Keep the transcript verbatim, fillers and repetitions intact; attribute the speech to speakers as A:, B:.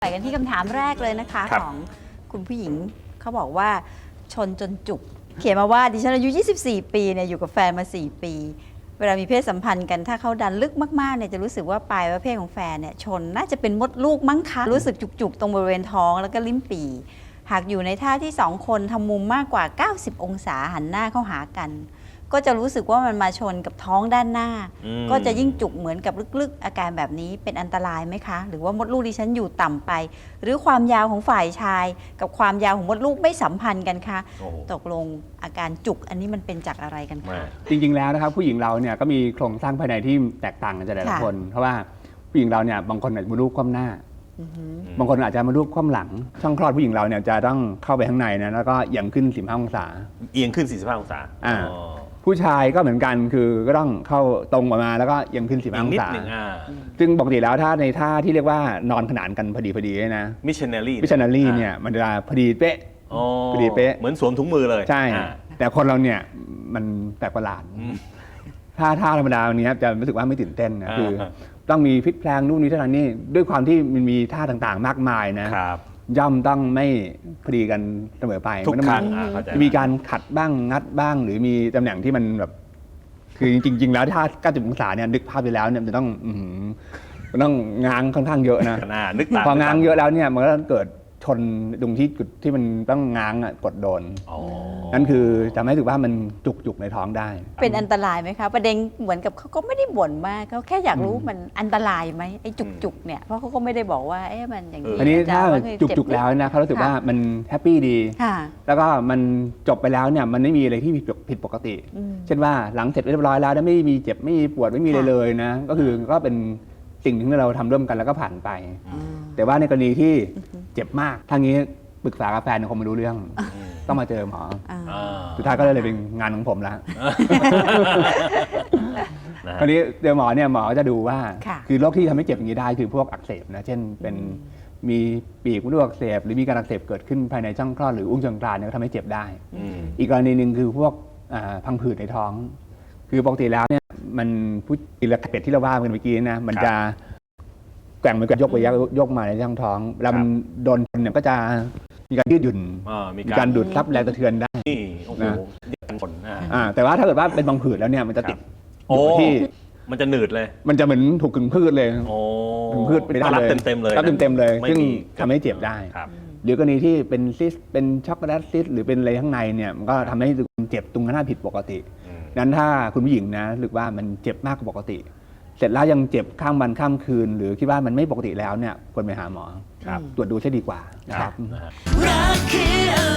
A: กันที่คำถามแรกเลยนะคะของคุณผู้หญิงเขาบอกว่าชนจนจุกเขียนมาว่าดิฉันอายุยี่สิบสี่ปีเนี่ยอยู่กับแฟนมาสี่ปีเวลามีเพศสัมพันธ์กันถ้าเขาดันลึกมากๆเนี่ยจะรู้สึกว่าปลายประเภทของแฟนเนี่ยชนน่าจะเป็นมดลูกมั้งคะรู้สึกจุกๆตรงบริเวณท้องแล้วก็ลิ้นปี่หากอยู่ในท่าที่สองคนทำมุมมากกว่าเก้าสิบองศาหันหน้าเข้าหากันก็จะรู้สึกว่ามันมาชนกับท้องด้านหน้าก็จะยิ่งจุกเหมือนกับลึกๆอาการแบบนี้เป็นอันตรายไหมคะหรือว่ามดลูกดิฉันอยู่ต่ำไปหรือความยาวของฝ่ายชายกับความยาวของมดลูกไม่สัมพันธ์กันคะตกลงอาการจุกอันนี้มันเป็นจากอะไรกันคะ
B: จริงๆแล้วนะครับผู้หญิงเราเนี่ยก็มีโครงสร้างภายในที่แตกต่างกันแต่ละคนเพราะว่าผู้หญิงเราเนี่ยบางคนอาจจะมดลูกคว่ำหน้าบางคนอาจจะมดลูกคว่ำหลังช่องคลอดผู้หญิงเราเนี่ยจะต้องเข้าไปข้างในนะแล้วก็เอียงขึ้นสี่สิบห้าองศา
C: เอียงขึ้นสี่สิบห้าองศา
B: ผู้ชายก็เหมือนกันคือก็ต้องเข้าตรงออกมาแล้วก็เอียงขึ้นสี่สิบห้าองศาซึ่งปกติแล้วถ้าในท่าที่เรียกว่านอนขนานกันพอดีพอดีนะ
C: มิชชันนารี
B: มิชชันนารีเนี่ยมันจะพอดีเป๊ะพอดีเป๊ะ
C: เหมือนสวมถุงมือเลย
B: ใช่แต่คนเราเนี่ยมันแปลกประหลาดถ้าท่าธรรมดาวันนี้จะรู้สึกว่าไม่ตื่นเต้นนะคือต้องมีพลิกแพลงนู่นนี่เท่านั้นนี่ด้วยความที่มันมีท่าต่างๆมากมายนะย่อมต้องไม่พอดีกันเสมอไป
C: ทุกครั้ง
B: มีการขัดบ้างงัดบ้างหรือมีตำแหน่งที่มันแบบคือจริงๆแล้วถ้าเก้าสิบองศาเนี่ยนึกภาพไปแล้วเนี่ยมันต้องมันต้องง้างค่อนข้างเยอะนะพอง้างเยอะแล้วเนี่ยมันก็เกิดชนตรงที่จุดที่มันต้องง้างกดโดนนั่นคือทำให้รู้สึกว่ามันจุกๆในท้องได้
A: เป็นอันตรายไหมคะประเด็นเหมือนกับเขาก็ไม่ได้บ่นมากเขาแค่อยากรู้มันอันตรายไหมไอ้จุกๆเนี่ยเพราะเขาก็ไม่ได้บอกว่าเอ๊ะมันอย่างนี้
B: อันนี้ถ้าจุกๆแล้วนะเขารู้สึกว่ามันแฮปปี้ดีแล้วก็มันจบไปแล้วเนี่ยมันไม่มีอะไรที่ผิดปกติเช่นว่าหลังเสร็จเรียบร้อยแล้วไม่มีเจ็บไม่มีปวดไม่มีอะไรเลยนะก็คือก็เป็นสิ่งที่เราทำร่วมกันแล้วก็ผ่านไปแต่ว่าในกรณีที่เจ็บมากทางนี้ปรึกษากับแฟนคงไม่รู้เรื่องต้องมาเจอหมอสุดท้ายก็เลยเป็นงานของผมแล้วคราวนี้เจอหมอเนี่ยหมอจะดูว่าคือโรคที่ทำให้เจ็บอย่างนี้ได้คือพวกอักเสบนะเช่นเป็นมีปีกมดลูกอักเสบหรือมีการอักเสบเกิดขึ้นภายในช่องคลอดหรืออุ้งเชิงกรานเนี่ยก็ทำให้เจ็บได้อีกกรณีหนึ่งคือพวกพังผืดในท้องคือปกติแล้วเนี่ยมันผู้อิเล็กเป็ดที่เราว่ากันเมื่อกี้นะมันจะแกว่งมันก็ยกไปยกมาในช่องท้องแล้วมันโดนเนี่ยก็จะมีการยืดหยุ่นมีการดูดซับแรงกระเทือนได้
C: นะ
B: แต่ว่าถ้าเกิดว่าเป็นบางผืดแล้วเนี่ยมันจะติดที่
C: มันจะหนืดเลย
B: มันจะเหมือนถูกกึ่งพืชเลยกึ่งพืชไปได้เลย
C: รับเต็มๆเลย
B: รับเต็มๆเลยซึ่งทำให้เจ็บได้หรือกรณีที่เป็นซิสเป็นช็อกโกแลตซิสหรือเป็นอะไรข้างในเนี่ยมันก็ทำให้เจ็บตรงหน้าผิดปกตินั้นถ้าคุณผู้หญิงนะหรือว่ามันเจ็บมากกว่าปกติเสร็จแล้วยังเจ็บข้ามวันข้ามคืนหรือคิดว่ามันไม่ปกติแล้วเนี่ยควรไปหาหมอตรวจดูใช่ดีกว่านะครับ